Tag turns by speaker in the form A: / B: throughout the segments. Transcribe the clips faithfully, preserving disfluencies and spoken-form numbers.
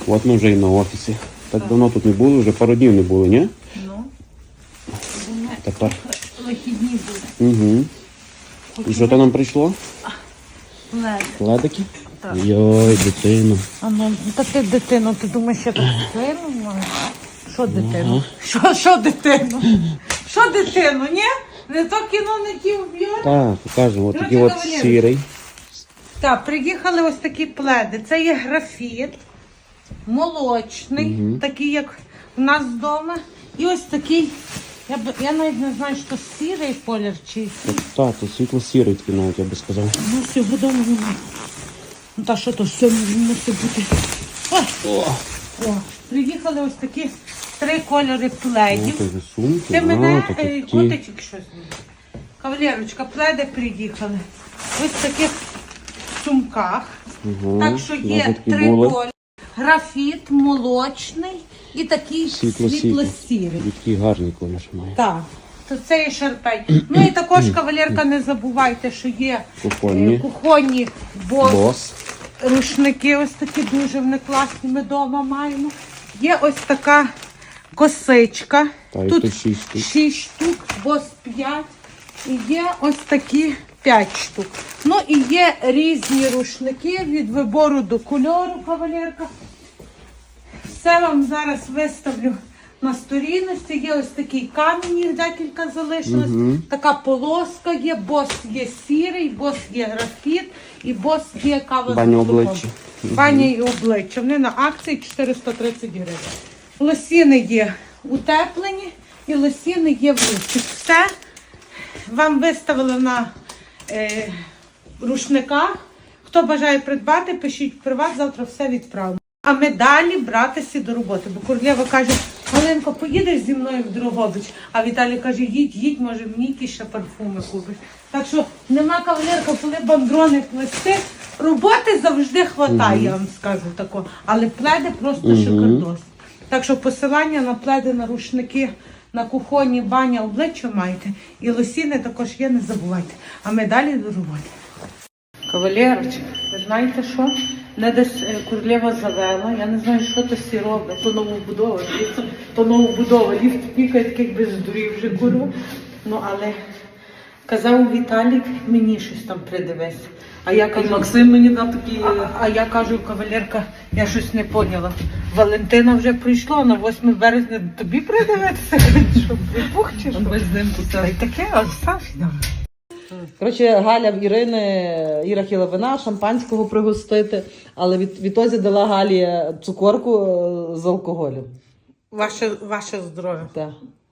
A: От ми вже і на офісі. Так, так давно тут не було, вже пару днів не було, ні?
B: Ну.
A: Тепер.
B: Вихідні були.
A: Угу. І що то нам прийшло?
B: Лед.
A: Ледики?
B: Так.
A: Йой, дитина.
B: А ну, та ти дитину, ти думаєш, я так сильно маю? Що дитину? Що, що дитину? Що дитину, ні? Не то кіно, не ті вб'ють?
A: Так, покажемо. Ось такий
B: Коротше,
A: от
B: кавалерочка.
A: сірий.
B: Так, приїхали ось такі пледи. Це є графіт, молочний,
A: Мгм.
B: такий, як у нас вдома. І ось такий, я, б, я навіть не знаю, що сірий колір чи який.
A: Так, то світло-сірий такий навіть, я би сказав.
B: Ну, всього вдома немає. Ну, та що то все мусить бути. О,
A: О,
B: о, приїхали ось такі три кольори
A: ну,
B: пледів.
A: це вже сумки.
B: Ти мене
A: а,
B: е,
A: такі.
B: котичок щось. Кавалерочка, пледи приїхали. Ось в таких сумках.
A: Угу.
B: Так що є
A: такі
B: три
A: були.
B: кольори. Графіт, молочний і такий
A: Світло-сірий.
B: світло-сірий.
A: Такий гарний колір має.
B: Так, то це є шарпей. Ну і також, кавалерка, не забувайте, що є
A: Кухонні.
B: е, кухонні бос,
A: Бос.
B: рушники, ось такі дуже вони класні, ми вдома маємо. Є ось така косичка.
A: Та, і
B: Тут
A: тут шість штук.
B: шість штук, бос п'ять. І є ось такі п'ять штук. Ну і є різні рушники від вибору до кольору, кавалерка. Все вам зараз виставлю на сторінності. Є ось такий камінь, їх декілька залишилось.
A: Мгм.
B: Така полоска є, бос є сірий, бос є графіт і бос є кава з
A: Баня
B: молоком.
A: обличчя.
B: Баня і обличчя. Вони на акції чотириста тридцять гривень. Лосіни є утеплені і лосіни є в ручці. Все вам виставили на е, рушниках. Хто бажає придбати, пишіть в приват, завтра все відправимо. А ми далі братися до роботи. Бо Курлєва каже, Галинко, поїдеш зі мною в Дрогобич? А Віталій каже, їдь, їдь, може мені якісь ще парфуми купиш. Так що нема, кавалерка, коли бандрони плести, роботи завжди хватає, я вам скажу тако. Але пледи просто
A: Мгм.
B: шикардос. Так що посилання на пледи, на рушники, на кухонні, баня, обличчя маєте. І лосіни також є, не забувайте. А ми далі до роботи. Кавалерочка, ви знаєте що? Не десь е, Курлєва завела, я не знаю, що то всі робить. То новобудова, дивіться, то новобудова. Ліфт пікає, таких без здурів вже курва. Ну, але казав Віталік, мені щось там придивись. А я кажу,
C: Максим мені дав такі.
B: а, а я кажу, кавалерка, я щось не поняла. Валентина вже прийшла, на восьме березня тобі придивитися, що припух чи що?
C: Без ним
B: Та й таке, а Сашня.
C: Коротше, Галя в Ірини, Іра хотіла вина, шампанського пригостити, але від, відтоді дала Галі цукорку е, з алкоголем.
B: Ваше, ваше здоров'я.
C: Так.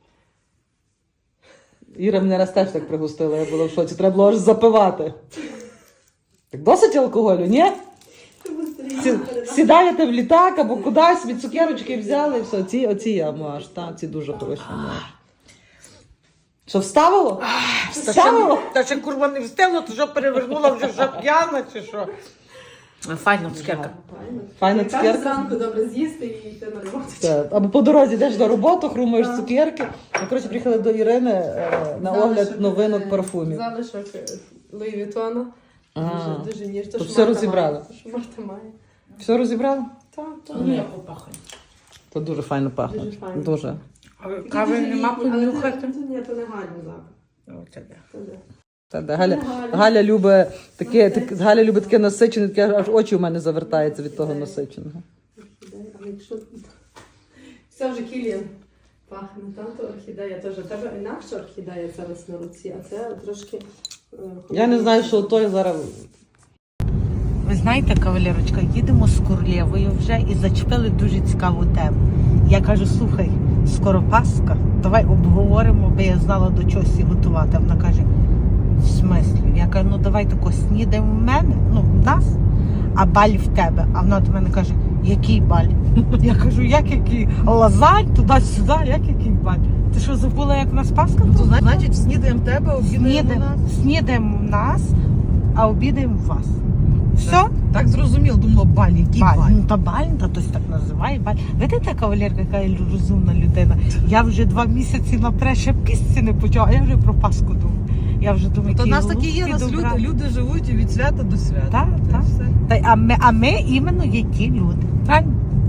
C: Іра мене раз теж так пригостила, я була в шоці. Треба було аж запивати. Так досить алкоголю, ні? Сі, сідаєте в літак або кудись, від цукерочки взяли і все. Ці, оці я маж, та, ці дуже хороші маж. Що, вставило? Вставило?
B: Та ще курва не встигла, то що перевернула вже вже п'яна чи що? Файна цукерка.
C: Файна
D: Каже,
C: цукерка.
D: зранку добре з'їсти і йти на роботу.
C: Так. Або по дорозі йдеш до роботи, хрумаєш цукерки. Ми, коротше, приїхали до Ірини е, на огляд новинок парфумів.
D: Залишок Луї Вітона.
C: А,
D: Дуже, дуже ніж.
C: то все розібрали?
D: Що Марта має.
C: Все розібрали?
D: Так, так.
B: Ну, я попахаю.
C: То дуже файно пахне.
D: Дуже файно.
C: Дуже.
B: Кави нема понюхати?
D: Ні, то не гарний запах. То де.
C: Та, да, Галя, Галя любить таке, так, Галя любить таке насичене, таке аж очі у мене завертаються від того насиченого.
D: Але якщо... Це вже Кіліан пахне, там то орхідея теж. У тебе інакше орхідея це весь на руці, а це трошки... е,
C: Я не знаю, що той зараз...
B: Ви знаєте, кавалерочка, їдемо з Курлєвою вже і зачепили дуже цікаву тему. Я кажу, слухай, скоро Пасха, давай обговоримо, бо я знала до чогось готувати. А вона каже, в смислі? Я кажу, ну давай тако снідаємо в мене, ну в нас, а баль в тебе. А вона до мене каже, який баль? Я кажу, як який? Лазань, туди-сюди, як який баль? Ти що, забула, як в нас Пасха?
C: То, значить, снідаємо в тебе, обідаємо
B: Снідаємо,
C: нас.
B: снідаємо в нас, а обідаємо в вас. Все?
C: Так зрозуміло, думала, баль, який
B: Баль.
C: баль.
B: Ну, та баль, та хтось так називає баль. Видите, кавалерка, яка я розумна людина. Я вже два місяці наперед ще пісці не почала, а я вже про Пасху думаю. Я вже думаю,
C: То
B: які
C: нас такі є,
B: голубці
C: нас люди,
B: добра.
C: люди живуть від свята до свята.
B: Так,
C: Та й
B: так.
C: все.
B: Та, а, ми, а ми іменно є ті люди. Правильно?
C: Так.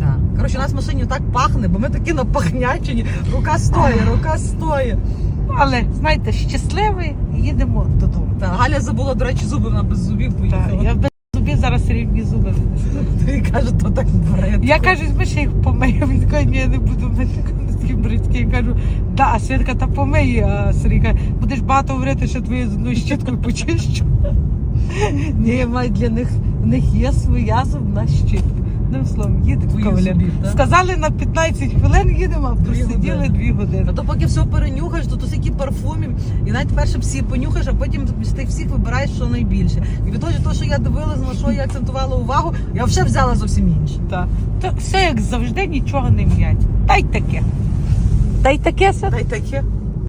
C: коротше, у нас в машині так пахне, бо ми такі напахнячені. Рука стоїть, рука стоїть.
B: Але, знаєте, щасливі, їдемо додому.
C: Та, Галя забула, до речі, зуби, вона без зубів
B: Так,
C: поїхала.
B: я без зубів зараз рівні зуби винесу.
C: І каже, то так бред.
B: Я кажу, ми ще їх помию. Він каже, ні, я не буду мити такі бридкі. Я кажу, да, а Свідка, та помиє, а Сергій каже, будеш багато говорити, що твою зубною щіткою почищу. Ні, маю для них, в них є своя зубна щітка. Одним словом, їдемо,
C: Твої
B: кавалер.
C: зубів, так?
B: Сказали на п'ятнадцять хвилин їдемо, а просиділи
C: години.
B: дві години.
C: А то поки все перенюхаєш, то тут стільки парфумів, і навіть перше всі понюхаєш, а потім з тих всіх вибираєш, що найбільше. І від того, що- що я дивилась, на що я акцентувала увагу, я вже взяла зовсім інше.
B: Так. То все як завжди, нічого не м'ять. Та й таке. Та й таке все.
C: Та й таке.